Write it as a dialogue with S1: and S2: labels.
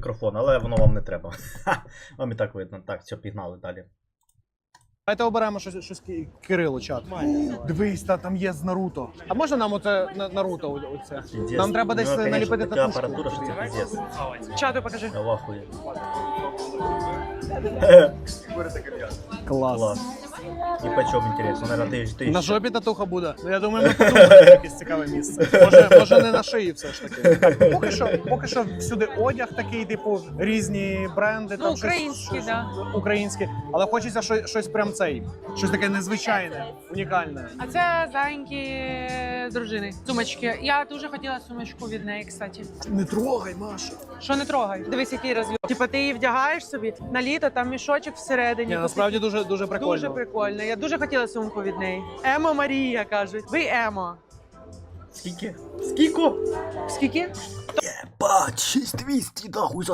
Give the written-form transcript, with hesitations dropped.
S1: мікрофон, але воно вам не треба. Вам і так видно. Так, все, пігнали далі.
S2: Давайте оберемо щось Кирилу, чат. Дивись, там є з Наруто. А можна нам оце Наруто оце? Нам треба десь наліпити
S1: така
S2: татушку.
S1: апаратура, що це пиздец.
S3: Чату покажи.
S1: Я в ахуї.
S2: Клас.
S1: І по чому інтересно? Наверное, ти
S2: На жопі татуха буде. Я думаю, ми подумаємо якесь цікаве місце. Може не на шиї все ж таки. Так, поки що всюди одяг такий, типу, різні бренди.
S3: Ну, українські, да.
S2: Українські. Але хочеться щось прям щось таке незвичайне, унікальне.
S3: А це зайнькі дружини. Сумочки. Я дуже хотіла сумочку від неї, кстати.
S2: Не трогай, Маша.
S3: Що не трогай? Дивись, який розльот. Типа ти її вдягаєш собі на літо, там мішочок всередині.
S2: Ні, насправді дуже прикольно.
S3: Дуже прикольно. Я дуже хотіла сумку від неї. Емо Марія, кажуть. Ви Емо.
S1: Скільки? Скільки?
S3: Скільки?
S1: Єбать, 6200, нахуй,